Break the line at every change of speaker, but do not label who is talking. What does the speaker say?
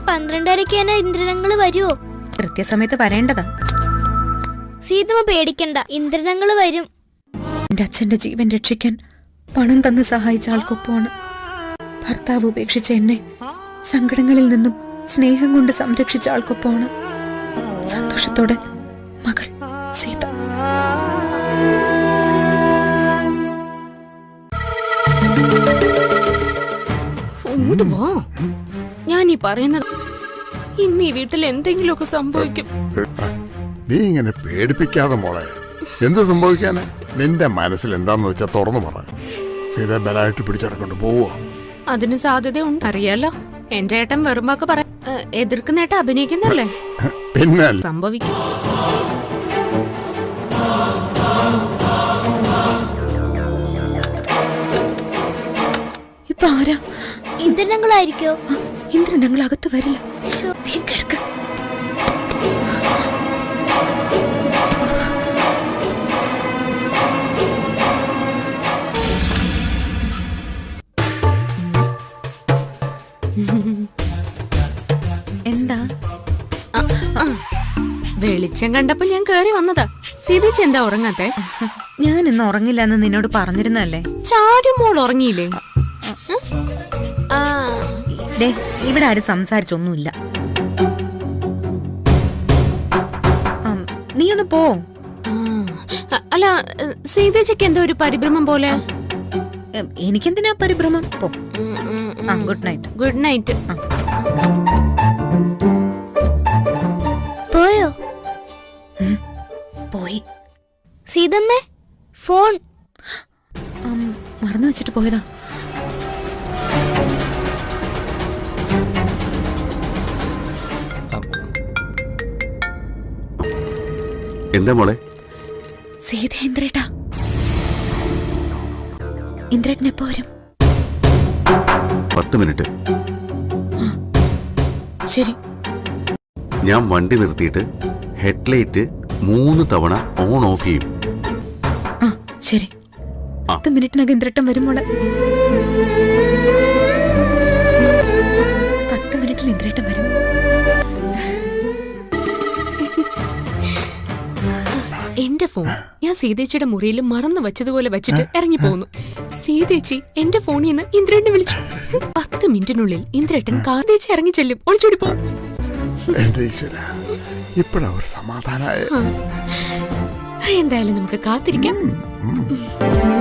12:30 ഇന്ദ്രനങ്ങള് വരുമോ?
കൃത്യസമയത്ത് വരേണ്ടതാ.
സീതമ്മ പേടിക്കണ്ട, ഇന്ദ്രനങ്ങള് വരും.
എന്റെ അച്ഛന്റെ ജീവൻ രക്ഷിക്കാൻ പണം തന്ന് സഹായിച്ച ആൾക്കൊപ്പമാണ്. ഭർത്താവ് ഉപേക്ഷിച്ച എന്നെ സങ്കടങ്ങളിൽ നിന്നും സ്നേഹം കൊണ്ട് സംരക്ഷിച്ച ആൾക്കൊപ്പമാണ്. സന്തോഷത്തോടെ മകൾ സീത.
ഞാൻ ഈ പറയുന്നത് ഇന്ന് ഈ വീട്ടിൽ എന്തെങ്കിലുമൊക്കെ സംഭവിക്കും.
നീ ഇങ്ങനെ പേടിപ്പിക്കാതെ മോളെ. എന്ത് സംഭവിക്കാന്? നിന്റെ മനസ്സിൽ എന്താന്ന് വെച്ചാ തുറന്നു പറ. സീത ബലായിട്ട് പിടിച്ചിറക്കൊണ്ട് പോവോ?
അതിന് സാധ്യതയുണ്ട്. അറിയാലോ, എന്റെ ഏട്ടൻ വെറുമ്പൊക്കെ പറയാം. എതിർക്കുന്ന ഏട്ടൻ അഭിനയിക്കുന്നല്ലേ?
പിന്നെ
സംഭവിക്കും.
ഇപ്പൊ ആരാ?
ഇന്ദ്രനങ്ങളായിരിക്കോ?
ഇന്ദ്രനങ്ങൾ അകത്ത് വരില്ല. എന്താ?
വെളിച്ചം കണ്ടപ്പോ ഞാൻ കേറി വന്നതാ. സീതേച്ചി എന്താ ഉറങ്ങാത്തെ?
ഞാൻ ഇന്ന് ഉറങ്ങില്ല എന്ന് നിന്നോട് പറഞ്ഞിരുന്നല്ലേ.
ചാരുമോൾ ഉറങ്ങിയില്ലേ?
ഇവിടെ ആരും സംസാരിച്ചൊന്നുമില്ല. നീ ഒന്ന് പോ.
അല്ല, സീതേച്ചിക്ക് എന്തോ ഒരു പരിഭ്രമം പോലെ.
എനിക്കെന്തിനാ പരിഭ്രമം? പോ. Good night.
Good night.
പോയോ?
പോയി.
സീതമ്മേ, ഫോൺ
മറന്നു വെച്ചിട്ട് പോയതാ.
എന്താ മോളെ?
സീത ഇന്ദ്രേട്ടാ. ഇന്ദ്രേട്ടൻ എപ്പോ വരും?
10 മിനിറ്റ്.
ശരി.
ഞാൻ വണ്ടി നിർത്തിയിട്ട് ഹെഡ്ലൈറ്റ് 3 തവണ ഓൺ ഓഫ് ചെയ്യും.
ശരി. 10 മിനിറ്റിനകം ഇന്ദ്രേട്ടൻ വരും മോളെ. 10 മിനിറ്റിൽ ഇന്ദ്രേട്ടൻ വരും.
എന്റെ ഫോൺ ഞാൻ സീതേച്ചിയുടെ മുറിയിൽ മറന്നു വെച്ചതുപോലെ വെച്ചിട്ട് ഇറങ്ങി പോന്നു. സീതേച്ചി എന്റെ ഫോണിൽ നിന്ന് ഇന്ദ്രേട്ടനെ വിളിച്ചു. 10 മിനിറ്റിനുള്ളിൽ ഇന്ദ്രേട്ടൻ കാതേച്ചി ഇറങ്ങി ചെല്ലും. ഒളിച്ചോടി പോകും.
ഇപ്പഴാ ഒരു സമാധാനായ.
എന്തായാലും നമുക്ക് കാത്തിരിക്കാം.